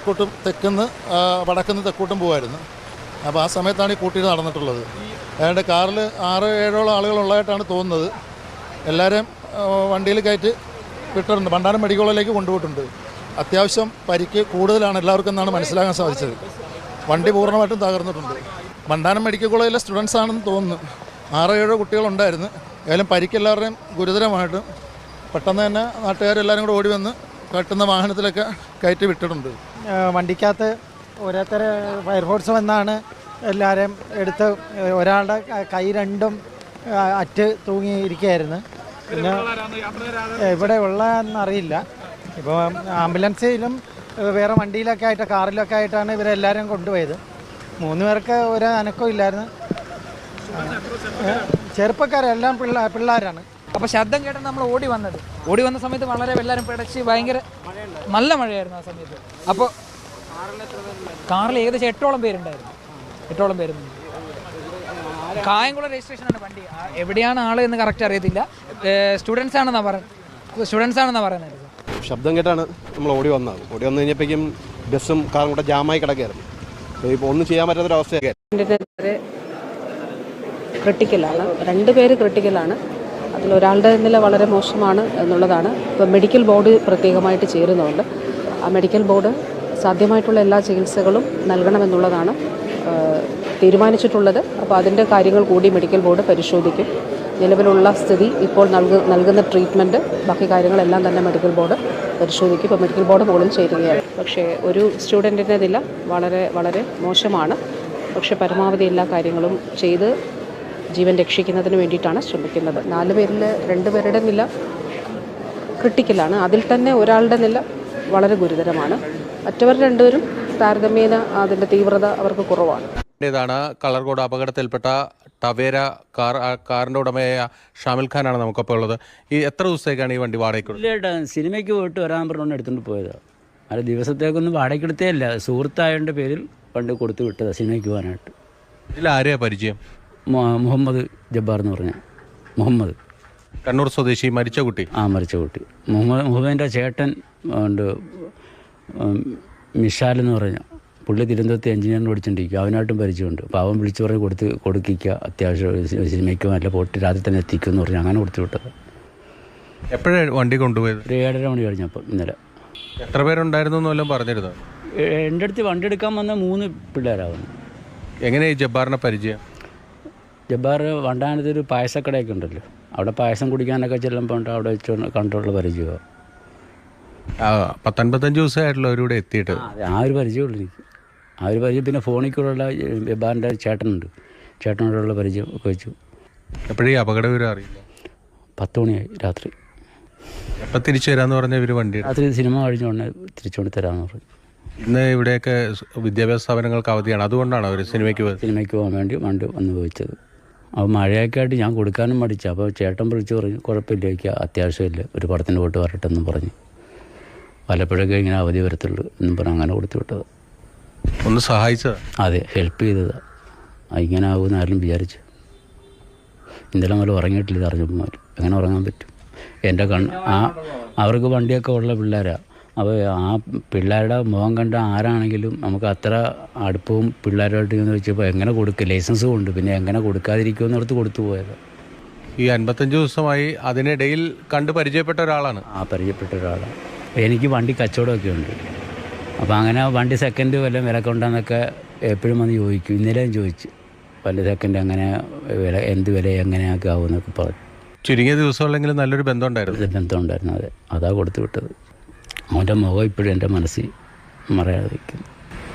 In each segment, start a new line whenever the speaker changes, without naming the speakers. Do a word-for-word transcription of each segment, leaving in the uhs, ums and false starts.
തെക്കോട്ടും തെക്കുന്ന് വടക്കുന്ന് തെക്കോട്ടും പോകുമായിരുന്നു. അപ്പോൾ ആ സമയത്താണ് ഈ കൂട്ടിയിട്ട് നടന്നിട്ടുള്ളത്. അതുകൊണ്ട് കാറിൽ ആറ് ഏഴോളം ആളുകളുള്ളതായിട്ടാണ് തോന്നുന്നത്. എല്ലാവരും വണ്ടിയിൽ കയറ്റി വിട്ടിട്ടുണ്ട്. ഭണ്ഡാരം മെഡിക്കൽ കോളേജിലേക്ക് കൊണ്ടുപോയിട്ടുണ്ട്. അത്യാവശ്യം പരിക്ക് കൂടുതലാണ് എല്ലാവർക്കും എന്നാണ് മനസ്സിലാക്കാൻ സാധിച്ചത്. വണ്ടി പൂർണ്ണമായിട്ടും തകർന്നിട്ടുണ്ട്. ഭണ്ഡാരം മെഡിക്കൽ കോളേജിലെ സ്റ്റുഡൻസ് ആണെന്ന് തോന്നുന്നു. ആറോ ഏഴോ കുട്ടികളുണ്ടായിരുന്നു. ഏതായാലും പരിക്കെല്ലാവരുടെയും ഗുരുതരമായിട്ടും പെട്ടെന്ന് തന്നെ നാട്ടുകാരെല്ലാവരും കൂടെ ഓടി വന്ന് കട്ടുന്ന വാഹനത്തിലൊക്കെ കയറ്റി വിട്ടിട്ടുണ്ട്.
വണ്ടിക്കകത്ത് ഓരോരുത്തർ ഫയർഫോഴ്സ് വന്നാണ് എല്ലാവരും എടുത്ത്. ഒരാളുടെ കൈ രണ്ടും അറ്റ് തൂങ്ങിയിരിക്കുകയായിരുന്നു. പിന്നെ ഇവിടെ ഉള്ളതെന്നറിയില്ല. ഇപ്പോൾ ആംബുലൻസിലും വേറെ വണ്ടിയിലൊക്കെ ആയിട്ട് കാറിലൊക്കെ ആയിട്ടാണ് ഇവരെല്ലാവരും കൊണ്ടുപോയത്. മൂന്ന് പേർക്ക് ഒരു അനക്കവും ഇല്ലായിരുന്നു. ചെറുപ്പക്കാരെല്ലാം പിള്ള പിള്ളേരാണ്.
അപ്പോൾ ശബ്ദം കേട്ടാണ് നമ്മൾ ഓടി വന്നത്. ഓടി വന്ന സമയത്ത് വളരെ എല്ലാവരും പിടച്ച് ഭയങ്കര നല്ല മഴയായിരുന്നു ആ സമയത്ത്. അപ്പോൾ കാറിൽ ഏകദേശം എട്ടോളം പേരുണ്ടായിരുന്നു. എട്ടോളം പേരുണ്ട്. കായംകുളം രജിസ്ട്രേഷനാണ് വണ്ടി. എവിടെയാണ് ആൾ എന്ന് കറക്റ്റ് അറിയത്തില്ല. സ്റ്റുഡൻസ് ആണെന്നാണ് പറയുന്നത് സ്റ്റുഡൻസ് ആണെന്നാണ് പറയുന്നത്.
ശബ്ദം കേട്ടാണ് നമ്മൾ ഓടി വന്നത്. ഓടി വന്നു കഴിഞ്ഞപ്പോഴേക്കും ബസ്സും കാറും കൂടെ ജാമായി കിടക്കുകയായിരുന്നു. ഇപ്പോൾ ഒന്നും ചെയ്യാൻ പറ്റാത്തൊരവസ്ഥയൊക്കെ.
ക്രിട്ടിക്കലാണ്. രണ്ട് പേര് ക്രിട്ടിക്കലാണ്. അതിലൊരാളുടെ നില വളരെ മോശമാണ് എന്നുള്ളതാണ്. ഇപ്പോൾ മെഡിക്കൽ ബോർഡ് പ്രത്യേകമായിട്ട് ചേരുന്നുണ്ട്. ആ മെഡിക്കൽ ബോർഡ് സാധ്യമായിട്ടുള്ള എല്ലാ ചികിത്സകളും നൽകണമെന്നുള്ളതാണ് തീരുമാനിച്ചിട്ടുള്ളത്. അപ്പോൾ അതിൻ്റെ കാര്യങ്ങൾ കൂടി മെഡിക്കൽ ബോർഡ് പരിശോധിക്കും. നിലവിലുള്ള സ്ഥിതി, ഇപ്പോൾ നൽകു നൽകുന്ന ട്രീറ്റ്മെൻറ്റ്, ബാക്കി കാര്യങ്ങളെല്ലാം തന്നെ മെഡിക്കൽ ബോർഡ് പരിശോധിക്കും. ഇപ്പോൾ മെഡിക്കൽ ബോർഡ് മുകളിൽ ചേരുകയാണ്. പക്ഷേ ഒരു സ്റ്റുഡൻറ്റിൻ്റെ നില വളരെ വളരെ മോശമാണ്. പക്ഷേ പരമാവധി എല്ലാ കാര്യങ്ങളും ചെയ്ത് ജീവൻ രക്ഷിക്കുന്നതിന് വേണ്ടിയിട്ടാണ് ശ്രമിക്കുന്നത്. നാല് പേരിൽ രണ്ട് പേരുടെ നില ക്രിട്ടിക്കലാണ്. അതിൽ തന്നെ ഒരാളുടെ നില വളരെ ഗുരുതരമാണ്. മറ്റവർ രണ്ടുപേരും താരതമ്യേന അതിൻ്റെ തീവ്രത അവർക്ക് കുറവാണ്.
ാണ് കളർകോട് അപകടത്തിൽപ്പെട്ട ടവേര കാർ കാറിൻ്റെ ഉടമയായ ഷാമിൽ ഖാനാണ് നമുക്കപ്പോൾ ഉള്ളത്. ഈ എത്ര ദിവസത്തേക്കാണ് ഈ വണ്ടി വാടകയ്ക്ക്?
ഇല്ലേട്ടാ, സിനിമയ്ക്ക് പോയിട്ട് വരാൻ പറഞ്ഞുകൊണ്ട് എടുത്തുകൊണ്ട് പോയതാണ്. അത് ദിവസത്തേക്കൊന്നും വാടകയ്ക്ക് എടുത്തേ ഇല്ല. സുഹൃത്തായതിൻ്റെ പേരിൽ വണ്ടി കൊടുത്തു വിട്ടതാണ് സിനിമയ്ക്ക് പോകാനായിട്ട്.
ഇതിൽ ആരെയാ പരിചയം?
മുഹമ്മദ് ജബ്ബാർ എന്ന് പറഞ്ഞ മുഹമ്മദ്,
കണ്ണൂർ സ്വദേശി, മരിച്ച കുട്ടി.
ആ മരിച്ച കുട്ടി മുഹമ്മദ് മുഹമ്മദിൻ്റെ ചേട്ടൻ ഉണ്ട് മിഷാൽ എന്ന് പറഞ്ഞ പുള്ളി തിരുവനന്തപുരത്ത് എഞ്ചിനീയറിന് പഠിച്ചുകൊണ്ടിരിക്കുക. അവനായിട്ടും പരിചയമുണ്ട്. അപ്പോൾ അവൻ വിളിച്ചു പറഞ്ഞ് കൊടുത്ത് കൊടുക്കിക്കുക അത്യാവശ്യം സിനിമയ്ക്ക് നല്ല പോയിട്ട് രാത്രി തന്നെ എത്തിക്കും എന്ന് പറഞ്ഞ് അങ്ങനെ കൊടുത്തു വിട്ടത്.
എപ്പോഴാണ് വണ്ടി കൊണ്ടുപോയത്?
ഒരു ഏഴര മണി കഴിഞ്ഞപ്പോൾ ഇന്നലെ.
എത്ര പേരുണ്ടായിരുന്നു എന്നെല്ലാം പറഞ്ഞിരുന്നു?
എൻ്റെ അടുത്ത് വണ്ടി എടുക്കാൻ വന്ന മൂന്ന് പിള്ളേരാവുന്നു.
എങ്ങനെയാണ് ഈ ജബ്ബാറിനെ പരിചയം?
ജബ്ബാർ വണ്ടാനത്ത് ഒരു പായസക്കടയൊക്കെ ഉണ്ടല്ലോ, അവിടെ പായസം കുടിക്കാനൊക്കെ ചെല്ലുമ്പോൾ അവിടെ വെച്ച് കണ്ടുള്ള പരിചയമാണ്.
ആ പത്തൊൻപത്തഞ്ച് ദിവസമായിട്ടുള്ള അവരിവിടെ എത്തിയിട്ട്
ആ ഒരു പരിചയമുള്ളൂ എനിക്ക്. ആ ഒരു പരിചയം. പിന്നെ ഫോണിൽ കൂടെയുള്ള ജബ്ബാറിൻ്റെ ചേട്ടനുണ്ട്, ചേട്ടനോടുള്ള പരിചയം ഒക്കെ വെച്ചു.
എപ്പോഴും അപകട വിവരം അറിയില്ല.
പത്ത് മണിയായി രാത്രി.
എപ്പോൾ തിരിച്ചു തരാമെന്ന് പറഞ്ഞ ഇവർ വണ്ടി
രാത്രി സിനിമ കഴിഞ്ഞുകൊണ്ട് തിരിച്ചുകൊണ്ട് തരാമെന്ന് പറഞ്ഞു.
ഇന്ന് ഇവിടെയൊക്കെ വിദ്യാഭ്യാസ സ്ഥാപനങ്ങൾക്ക് അവധിയാണ്, അതുകൊണ്ടാണ് അവർ സിനിമയ്ക്ക് പോയത്.
സിനിമയ്ക്ക് പോകാൻ വേണ്ടി വണ്ടി വന്ന് പോയിച്ചത്. അപ്പോൾ മഴയൊക്കെ ആയിട്ട് ഞാൻ കൊടുക്കാനും മടിച്ചു. അപ്പോൾ ചേട്ടൻ വിളിച്ച് പറഞ്ഞു കുഴപ്പമില്ല, എനിക്ക് അത്യാവശ്യമില്ല, ഒരു പടത്തിന് പോയിട്ട് വരട്ടെ എന്നും പറഞ്ഞു. വല്ലപ്പോഴൊക്കെ ഇങ്ങനെ അവധി വരത്തുള്ളൂ എന്നും പറഞ്ഞ് അങ്ങനെ കൊടുത്തു വിട്ടത്.
ഒന്ന് സഹായിച്ചത്?
അതെ, ഹെൽപ്പ് ചെയ്തതാണ്. ഇങ്ങനെ ആകുമെന്ന് ആരും വിചാരിച്ചു. ഇന്നലെ മുതൽ ഉറങ്ങിയിട്ടില്ല ഇത് അറിഞ്ഞപ്പോൾ. എങ്ങനെ ഉറങ്ങാൻ പറ്റും? എൻ്റെ കണ്ണ് ആ അവർക്ക് വണ്ടിയൊക്കെ ഉള്ള പിള്ളേരാണ്. അപ്പോൾ ആ പിള്ളേരുടെ മുഖം കണ്ട ആരാണെങ്കിലും നമുക്ക് അത്ര അടുപ്പവും പിള്ളേരുമായിട്ട് എന്ന് വെച്ചപ്പോൾ എങ്ങനെ കൊടുക്കുക, ലൈസൻസ് കൊണ്ട് പിന്നെ എങ്ങനെ കൊടുക്കാതിരിക്കുമെന്ന് ഓർത്ത് കൊടുത്തു പോയത്.
ഈ അൻപത്തഞ്ച് ദിവസമായി അതിനിടയിൽ കണ്ട് പരിചയപ്പെട്ട ഒരാളാണ്.
ആ പരിചയപ്പെട്ട ഒരാളാണ്. എനിക്ക് വണ്ടി കച്ചവടമൊക്കെ ഉണ്ട്. അപ്പോൾ അങ്ങനെ വണ്ടി സെക്കൻഡ് വല്ലതും വില കൊണ്ടാന്നൊക്കെ എപ്പോഴും വന്ന് ചോദിക്കും. ഇന്നലെയും ചോദിച്ചു വണ്ടി സെക്കൻഡ് അങ്ങനെ വില എന്ത് വില എങ്ങനെയൊക്കെ ആവുമെന്നൊക്കെ പറഞ്ഞു.
ചുരുങ്ങിയ ദിവസമുള്ളെങ്കിലും നല്ലൊരു ബന്ധം ഉണ്ടായിരുന്നു.
ബന്ധം ഉണ്ടായിരുന്നു. അതെ, അതാ കൊടുത്തു വിട്ടത്. അവൻ്റെ മുഖം ഇപ്പോഴും എൻ്റെ മനസ്സിൽ മറയാതെ വയ്ക്കുന്നു.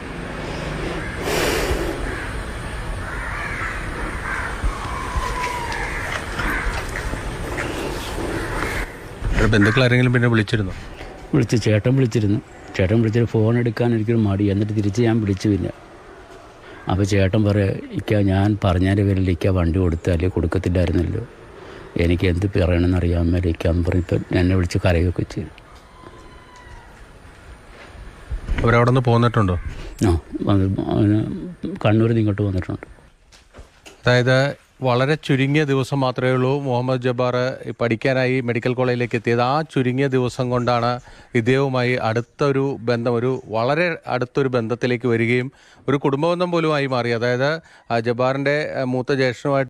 ബന്ധുക്കൾ ആരെങ്കിലും പിന്നെ വിളിച്ചിരുന്നു?
വിളിച്ച് ചേട്ടൻ വിളിച്ചിരുന്നു. ചേട്ടൻ വിളിച്ചിട്ട് ഫോൺ എടുക്കാൻ എനിക്കൊരു മടി. എന്നിട്ട് തിരിച്ച് ഞാൻ വിളിച്ചു. പിന്നെ അപ്പോൾ ചേട്ടൻ പറയാം, ഇക്ക ഞാൻ പറഞ്ഞതിൻ്റെ പേരിൽ ഇക്ക വണ്ടി കൊടുത്താൽ കൊടുക്കത്തില്ലായിരുന്നല്ലോ, എനിക്ക് എന്ത് പറയണമെന്ന് അറിയാൻ മേലെ ഇക്കാന്ന് പറഞ്ഞിപ്പോൾ എന്നെ വിളിച്ച് കരയൊക്കെ ചെയ്തു.
അവരവിടെ നിന്ന് പോന്നിട്ടുണ്ടോ?
ആ, കണ്ണൂരിൽ നിന്ന് ഇങ്ങോട്ട് വന്നിട്ടുണ്ട്.
അതായത് വളരെ ചുരുങ്ങിയ ദിവസം മാത്രമേ ഉള്ളൂ മുഹമ്മദ് ജബ്ബാർ പഠിക്കാനായി മെഡിക്കൽ കോളേജിലേക്ക് എത്തിയത്. ആ ചുരുങ്ങിയ ദിവസം കൊണ്ടാണ് ഇദ്ദേഹവുമായി അടുത്തൊരു ബന്ധം, ഒരു വളരെ അടുത്തൊരു ബന്ധത്തിലേക്ക് വരികയും ഒരു കുടുംബബന്ധം പോലും ആയി മാറി. അതായത് ജബ്ബാറിൻ്റെ മൂത്ത ജ്യേഷ്ഠനുമായിട്ട്